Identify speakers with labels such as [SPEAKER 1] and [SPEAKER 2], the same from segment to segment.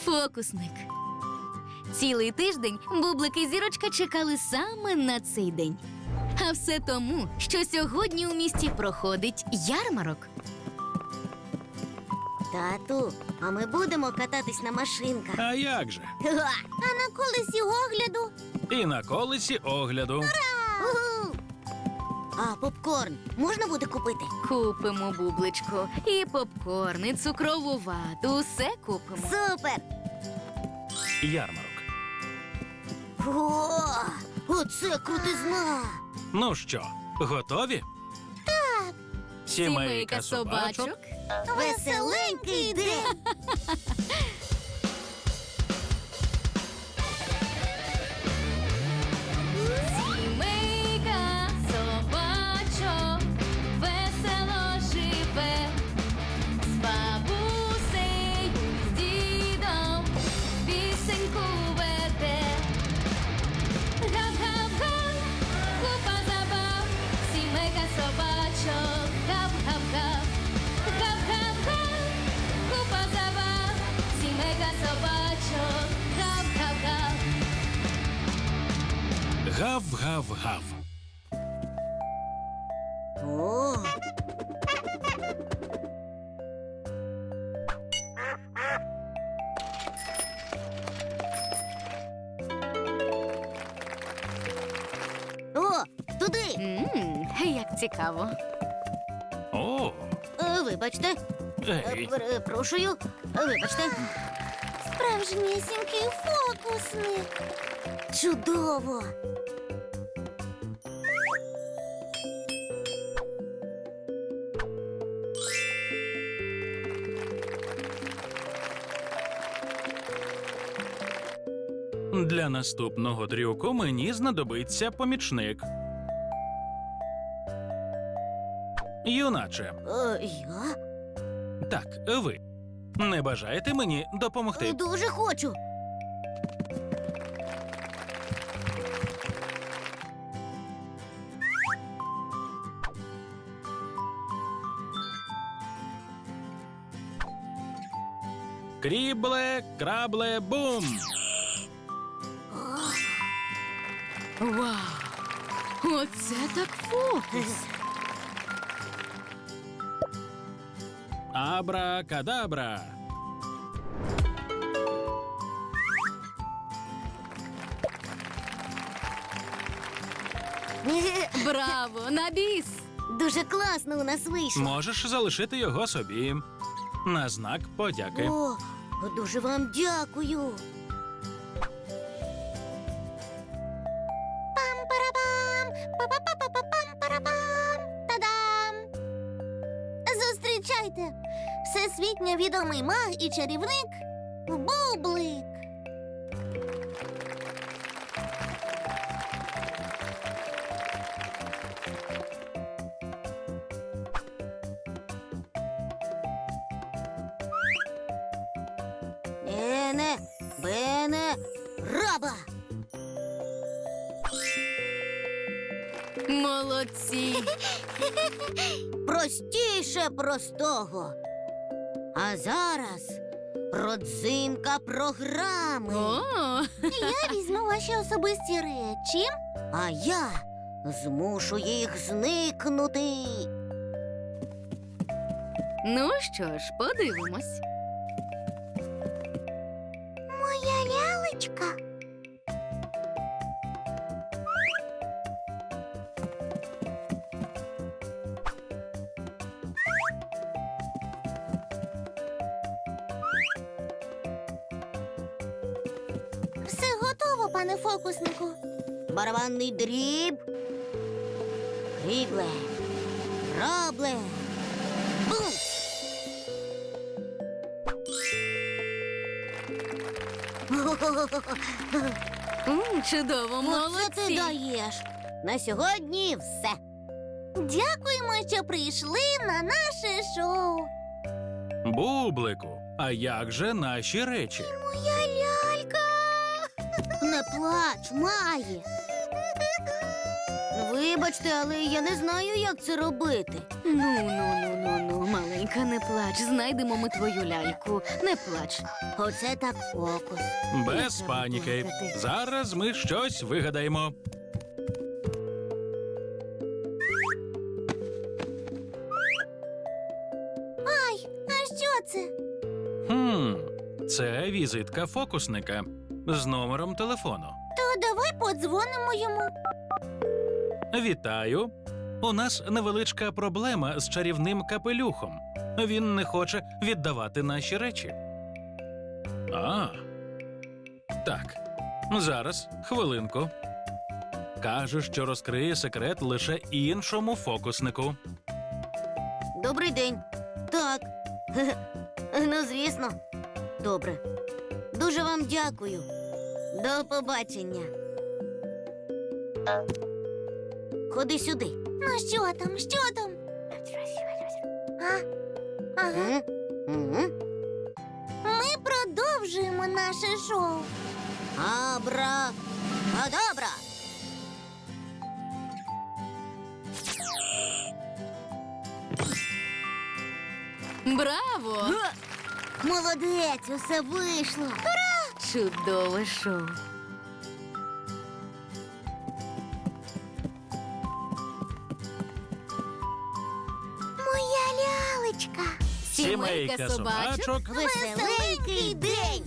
[SPEAKER 1] Фокусник. Цілий тиждень Бублик і Зірочка чекали саме на цей день. А все тому, що сьогодні у місті проходить ярмарок.
[SPEAKER 2] Тату, а ми будемо кататись на машинках.
[SPEAKER 3] А як же?
[SPEAKER 2] А на колесі огляду?
[SPEAKER 3] І на колесі огляду.
[SPEAKER 2] Уху! А попкорн можна буде купити?
[SPEAKER 1] Купимо, Бубличко, і попкорн, і цукрову вату, усе купимо.
[SPEAKER 2] Супер!
[SPEAKER 3] Ярмарок.
[SPEAKER 2] О, оце крутизна!
[SPEAKER 3] Ну що, готові? Так. Сімейка собачок.
[SPEAKER 2] Веселенький день!
[SPEAKER 1] Сімейка собачок весело живе, з бабусею, з дідом пісеньку веде. Гап-гап-га, купа забав, сімейка собачок, гап-гап-га. Гап-гап-га, купа забав, сімейка собачок, гап-гап-га.
[SPEAKER 3] Гав-гав-гав.
[SPEAKER 2] О! О, туди!
[SPEAKER 1] Як цікаво.
[SPEAKER 3] О,
[SPEAKER 2] Вибачте,
[SPEAKER 3] ей.
[SPEAKER 2] перепрошую, вибачте. Справжнісінький фокусник. Чудово!
[SPEAKER 3] Для наступного трюку мені знадобиться помічник. Юначе,
[SPEAKER 2] Я?
[SPEAKER 3] так, ви. Не бажаєте мені допомогти?
[SPEAKER 2] Дуже хочу.
[SPEAKER 3] Крібле, крабле, бум!
[SPEAKER 1] Вау! Оце так фокус!
[SPEAKER 3] Абра-кадабра!
[SPEAKER 1] Браво! На біс!
[SPEAKER 2] Дуже класно у нас вийшло.
[SPEAKER 3] Можеш залишити його собі. На знак подяки.
[SPEAKER 2] О, дуже вам дякую. Пам-парабам! Па-па-па-па-пам-парабам! Та-дам! Зустрічайте! Всесвітньо відомий маг і чарівник Бублик. Ене, бене, раба!
[SPEAKER 1] Молодці!
[SPEAKER 2] Простіше простого. А зараз родзинка програми.
[SPEAKER 1] О!
[SPEAKER 2] Я візьму ваші особисті речі, а я змушу їх зникнути.
[SPEAKER 1] Ну що ж, подивимось.
[SPEAKER 2] Моя лялечка. Все готово, пане фокуснику. Барабанний дріб. Крібле. Рабле. Бум!
[SPEAKER 1] Чудово,
[SPEAKER 2] Оце ти
[SPEAKER 1] молодці!
[SPEAKER 2] даєш. На сьогодні все. Дякуємо, що прийшли на наше шоу.
[SPEAKER 3] Бублику, а як же наші речі?
[SPEAKER 2] Моя лялька. Не плач, Маї. Вибачте, але я не знаю, як це робити.
[SPEAKER 1] Ну, маленька, не плач. Знайдемо ми твою ляльку. Не плач.
[SPEAKER 2] Оце так фокус.
[SPEAKER 3] Без паніки. Зараз ми щось вигадаємо.
[SPEAKER 2] А що це?
[SPEAKER 3] Це візитка фокусника з номером телефону.
[SPEAKER 2] То давай подзвонимо йому.
[SPEAKER 3] Вітаю. У нас невеличка проблема з чарівним капелюхом. Він не хоче віддавати наші речі. Так. Зараз, хвилинку. Каже, що розкриє секрет лише іншому фокуснику.
[SPEAKER 2] Добрий день. Так. Ну, звісно. Добре. Дуже вам дякую. До побачення. Ходи сюди. Ну, що там? Що там? Ага. Ми продовжуємо наше шоу. Абра-кадабра.
[SPEAKER 1] Браво!
[SPEAKER 2] Молодець, усе вийшло.
[SPEAKER 1] Чудове шоу.
[SPEAKER 2] Моя лялечка.
[SPEAKER 1] Сімейка собачок.
[SPEAKER 2] Веселенький день.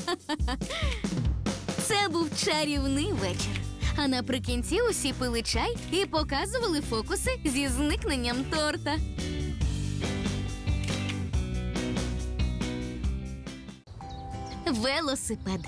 [SPEAKER 1] Це був чарівний вечір. А наприкінці усі пили чай і показували фокуси зі зникненням торта. Велосипед.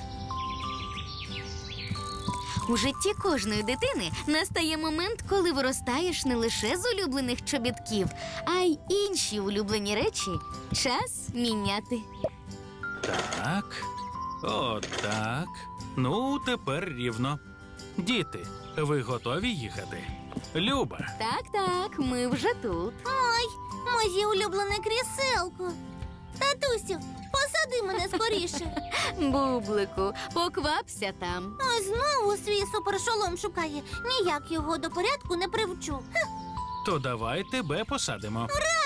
[SPEAKER 1] У житті кожної дитини настає момент, коли виростаєш не лише з улюблених чобітків, а й інші улюблені речі час міняти.
[SPEAKER 3] Так. Отак. Ну, тепер рівно. Діти, ви готові їхати? Люба,
[SPEAKER 1] Так, ми вже тут.
[SPEAKER 2] Ой, моє улюблене кріселко. Татусю, посади мене скоріше.
[SPEAKER 1] Бублику, поквапся там.
[SPEAKER 2] Ось знову свій супершолом шукає. Ніяк його до порядку не привчу.
[SPEAKER 3] то давай тебе посадимо.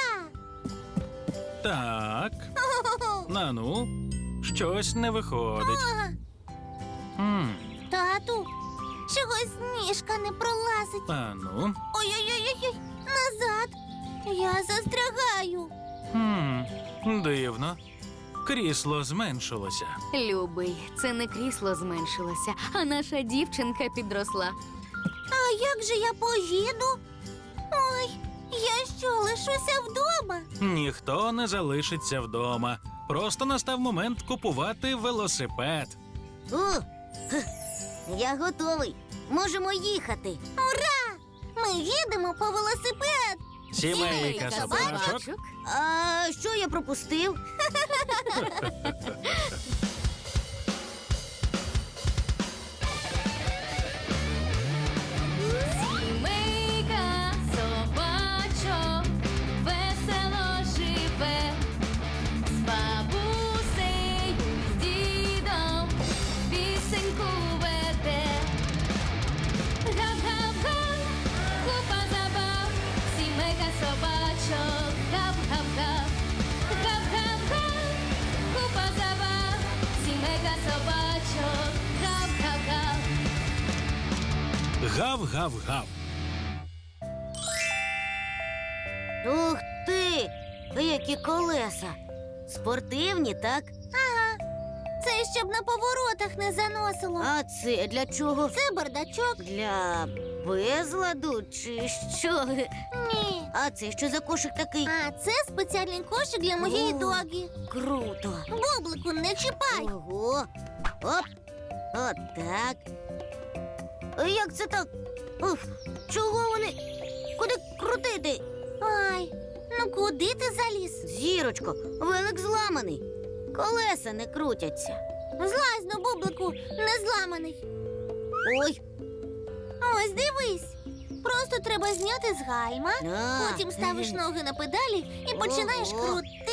[SPEAKER 3] Так. Нану, щось не виходить. М,
[SPEAKER 2] Тату, чогось ніжка не пролазить.
[SPEAKER 3] Ану.
[SPEAKER 2] Ой-ой-ой, назад. Я застрягаю.
[SPEAKER 3] Дивно. Крісло зменшилося.
[SPEAKER 1] Любий, це не крісло зменшилося, а наша дівчинка підросла.
[SPEAKER 2] А як же я поїду? Ой, я що, лишуся вдома?
[SPEAKER 3] Ніхто не залишиться вдома. Просто настав момент купувати велосипед.
[SPEAKER 2] Я готовий. Можемо їхати. Ура! Ми їдемо по велосипед.
[SPEAKER 3] Сімейка собачок.
[SPEAKER 2] А що я пропустив?
[SPEAKER 1] Сімейка собачок весело живе, з бабусею, з дідом пісеньку веде. Гап-гап-га, купа забав, сімейка собачок, гап-гап-га. Гап-гап-га, купа забав, сімейка собачок, гап-гап-га.
[SPEAKER 3] Гав-гав-гав.
[SPEAKER 2] Ух ти! Які колеса! Спортивні, так? Ага. Це щоб на поворотах не заносило. А це для чого? Це бардачок. Для безладу чи що? Ні. А це що за кошик такий? А це спеціальний кошик для моєї догі. Круто. Бублику, не чіпай. Ого. Оп. Отак. Як це так? Уф, чого вони? Куди крутити? Ай, ну куди ти заліз? Зірочко, велик зламаний. Колеса не крутяться. Злазь, ну, Бублику, не зламаний. Ой. Ось дивись. Просто треба зняти з гальма, потім ставиш ноги на педалі і починаєш крутити.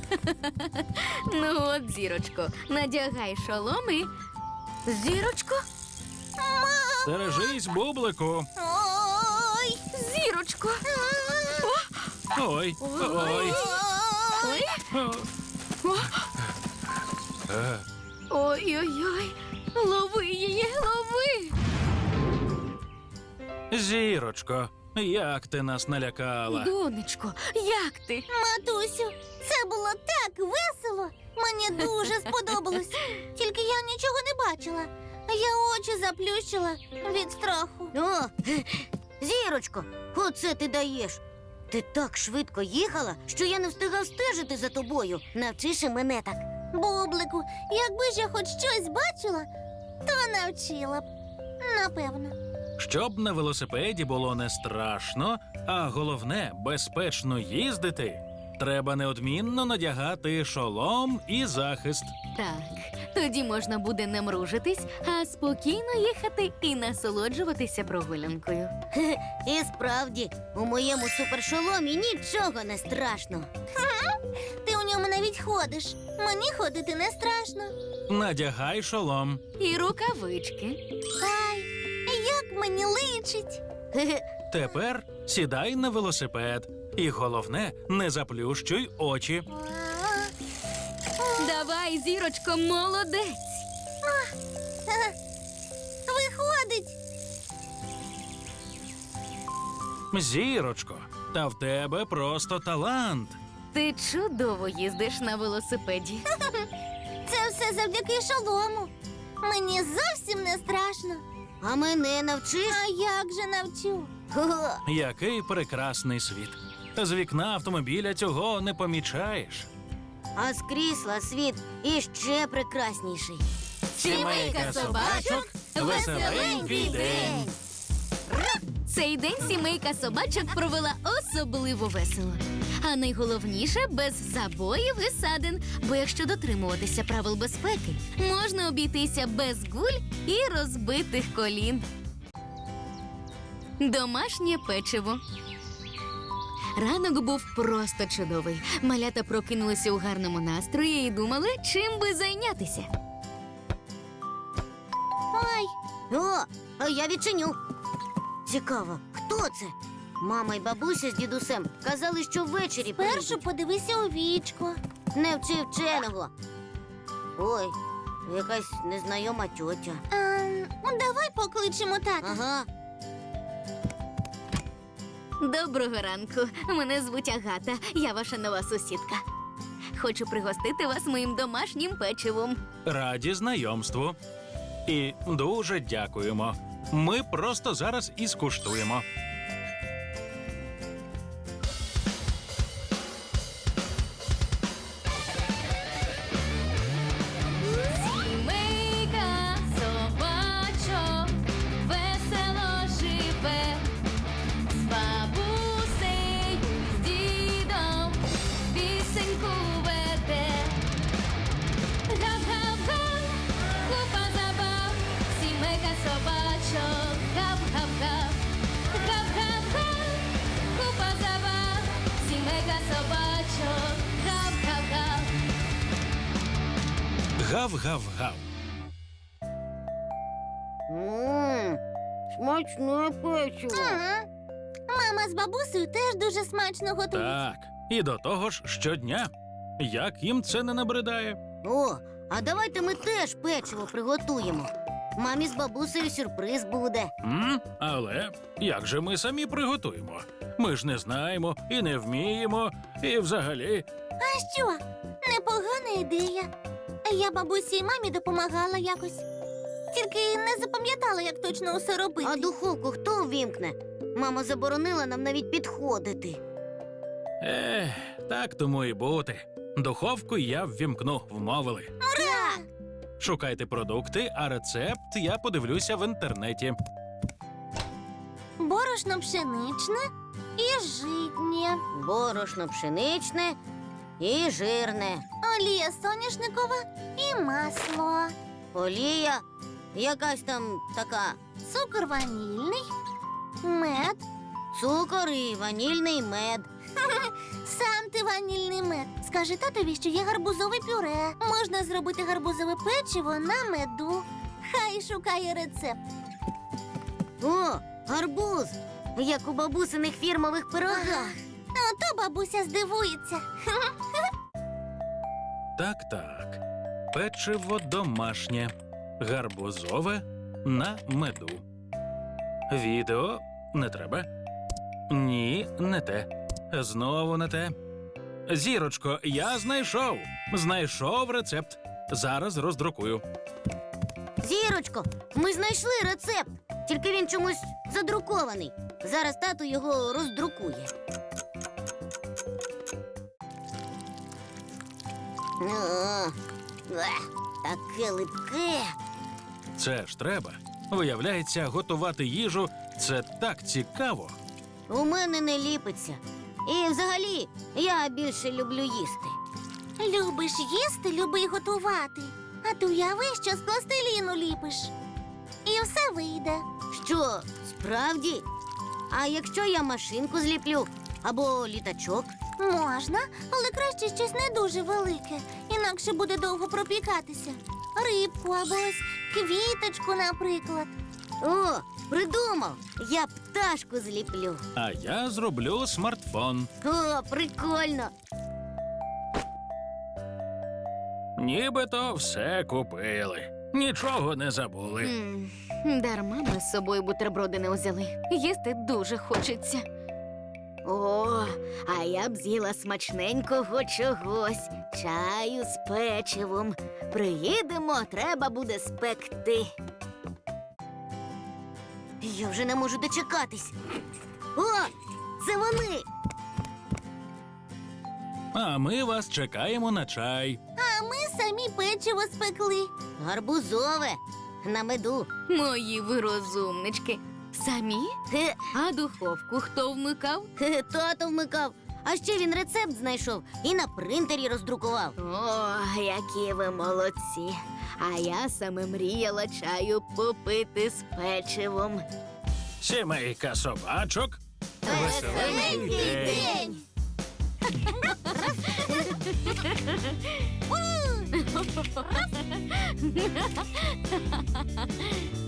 [SPEAKER 1] Ну от, зірочко, надягай шолом і... Зірочко?
[SPEAKER 3] Стережись, бублику.
[SPEAKER 2] Ой!
[SPEAKER 1] Зірочко!
[SPEAKER 3] Ой, ой.
[SPEAKER 1] Ой!
[SPEAKER 3] О.
[SPEAKER 1] Ой-ой-ой! Лови її, лови!
[SPEAKER 3] Зірочко, як ти нас налякала?
[SPEAKER 1] Донечко, як ти?
[SPEAKER 2] Матусю, це було так весело. Мені дуже сподобалось. Тільки я нічого не бачила. Я очі заплющила від страху. О, Зірочко, оце ти даєш. Ти так швидко їхала, що я не встигав стежити за тобою. Навчиш і мене так. Бублику, якби ж я хоч щось бачила, то навчила б. Напевно.
[SPEAKER 3] Щоб на велосипеді було не страшно, а головне безпечно їздити, треба неодмінно надягати шолом і захист.
[SPEAKER 1] Так, тоді можна буде не мружитись, а спокійно їхати і насолоджуватися прогулянкою.
[SPEAKER 2] І справді, у моєму супершоломі нічого не страшно. Ти у ньому навіть ходиш. Мені ходити не страшно.
[SPEAKER 3] Надягай шолом.
[SPEAKER 1] І рукавички.
[SPEAKER 2] Ай, як мені личить.
[SPEAKER 3] Тепер сідай на велосипед. І головне, не заплющуй очі.
[SPEAKER 1] Давай, зірочко, молодець!
[SPEAKER 2] Виходить.
[SPEAKER 3] Зірочко, та в тебе просто талант.
[SPEAKER 1] Ти чудово їздиш на велосипеді.
[SPEAKER 2] Це все завдяки шолому. Мені зовсім не страшно. А мене навчиш? А як же навчу?
[SPEAKER 3] Який прекрасний світ. З вікна автомобіля цього не помічаєш.
[SPEAKER 2] А з крісла світ іще прекрасніший.
[SPEAKER 1] Сімейка собачок,
[SPEAKER 3] веселенький день.
[SPEAKER 1] Цей день сімейка собачок провела особливо весело. А найголовніше – без забоїв і садин. Бо якщо дотримуватися правил безпеки, можна обійтися без гуль і розбитих колін. Домашнє печиво. Ранок був просто чудовий. Малята прокинулися у гарному настрої і думали, чим би зайнятися.
[SPEAKER 2] Ой. О, а я відчиню. Цікаво, хто це? Мама й бабуся з дідусем казали, що ввечері першу подивися у вічко. Не вчи вченого. Ой, якась незнайома тьотя. Давай покличемо тата. Ага.
[SPEAKER 1] Доброго ранку. Мене звуть Агата. Я ваша нова сусідка. Хочу пригостити вас моїм домашнім печивом.
[SPEAKER 3] Раді знайомству. І дуже дякуємо. Ми просто зараз і скуштуємо.
[SPEAKER 1] Сімейка собачок весело живе, з бабусею, з дідом пісеньку веде. Гав-гав-га, купа забав, сімейка собачок, гав-гав-гав. Гав-гав-га, купа забав, сімейка собачок, гав-гав-гав.
[SPEAKER 3] Гав-гав-гав.
[SPEAKER 2] Смачне печиво. Ага. Мама з бабусею теж дуже смачно готують.
[SPEAKER 3] Так, і до того ж щодня. Як їм це не набридає?
[SPEAKER 2] О, а давайте ми теж печиво приготуємо. Мамі з бабусею сюрприз буде.
[SPEAKER 3] Але як же ми самі приготуємо? Ми ж не знаємо і не вміємо, і взагалі.
[SPEAKER 2] А що? Непогана ідея. Я бабусі і мамі допомагала якось. Тільки не запам'ятала, як точно усе робити. А духовку хто увімкне? Мама заборонила нам навіть підходити.
[SPEAKER 3] Так тому і бути. Духовку я ввімкну, вмовили.
[SPEAKER 2] Ура!
[SPEAKER 3] Шукайте продукти, а рецепт я подивлюся в інтернеті.
[SPEAKER 2] Борошно пшеничне і житнє. Борошно пшеничне і жирне. Олія соняшникова і масло. Олія якась там така. Цукор ванільний, мед. Цукор і ванільний мед. Сам ти ванільний мед. Скажи татові, що є гарбузове пюре. Можна зробити гарбузове печиво на меду. Хай шукає рецепт. О, гарбуз! Як у бабусиних фірмових пирогах. Ото бабуся здивується.
[SPEAKER 3] Так. Печиво домашнє, гарбузове на меду. Відео не треба. Ні, не те. Знову не те. Зірочко, я знайшов. Знайшов рецепт. Зараз роздрукую.
[SPEAKER 2] Зірочко, ми знайшли рецепт. Тільки він чомусь задрукований. Зараз тато його роздрукує. Таке липке.
[SPEAKER 3] Це ж треба. Виявляється, готувати їжу – це так цікаво.
[SPEAKER 2] У мене не ліпиться. І взагалі, я більше люблю їсти. Любиш їсти, люби й готувати. А ти уяви, що з пластиліну ліпиш. І все вийде. Що, справді? А якщо я машинку зліплю або літачок? Можна, але краще щось не дуже велике, інакше буде довго пропікатися. Рибку або ось квіточку, наприклад. О, придумав! Я пташку зліплю.
[SPEAKER 3] А я зроблю смартфон.
[SPEAKER 2] О, прикольно!
[SPEAKER 3] Нібито все купили. Нічого не забули.
[SPEAKER 1] Дарма ми з собою бутерброди не взяли. Їсти дуже хочеться.
[SPEAKER 2] О, а я б з'їла смачненького чогось. Чаю з печивом. Приїдемо, треба буде спекти. Я вже не можу дочекатись. О, це вони!
[SPEAKER 3] А ми вас чекаємо на чай.
[SPEAKER 2] А ми самі печиво спекли. Гарбузове, на меду.
[SPEAKER 1] Мої ви розумнички. Самі?
[SPEAKER 2] Хе,
[SPEAKER 1] А духовку хто вмикав?
[SPEAKER 2] хе, тато вмикав. А ще він рецепт знайшов і на принтері роздрукував.
[SPEAKER 1] О, які ви молодці. А я саме мріяла чаю попити з печивом.
[SPEAKER 3] Сімейка собачок. Веселенький день.